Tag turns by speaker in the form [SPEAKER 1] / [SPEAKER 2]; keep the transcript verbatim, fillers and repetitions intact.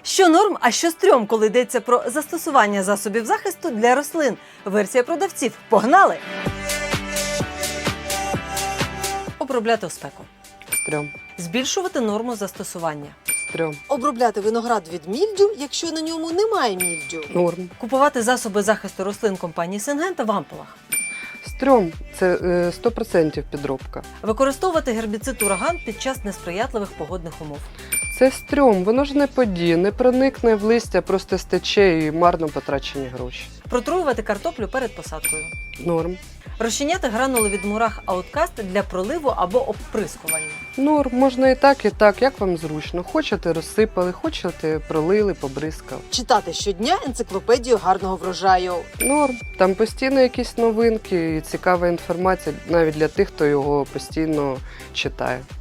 [SPEAKER 1] Що норм, а що стрьом, коли йдеться про застосування засобів захисту для рослин? Версія продавців. Погнали! Обробляти у спеку.
[SPEAKER 2] Стрьом.
[SPEAKER 1] Збільшувати норму застосування.
[SPEAKER 2] Стрьом.
[SPEAKER 3] Обробляти виноград від мільдю, якщо на ньому немає мільдю.
[SPEAKER 2] Норм.
[SPEAKER 1] Купувати засоби захисту рослин компанії Сингента в ампулах.
[SPEAKER 2] Стрьом. Це е, сто відсотків підробка.
[SPEAKER 1] Використовувати гербіцид ураган під час несприятливих погодних умов.
[SPEAKER 2] Це стрьом. Воно ж не подіє, не проникне в листя, просто стече і марно потрачені гроші.
[SPEAKER 1] Протруювати картоплю перед посадкою.
[SPEAKER 2] Норм.
[SPEAKER 1] Розчиняти гранули від мурах ауткаст для проливу або обприскування.
[SPEAKER 2] Норм. Можна і так, і так, як вам зручно. Хочете розсипали, хочете пролили, побризкали.
[SPEAKER 3] Читати щодня енциклопедію гарного врожаю.
[SPEAKER 2] Норм. Там постійно якісь новинки і цікава інформація навіть для тих, хто його постійно читає.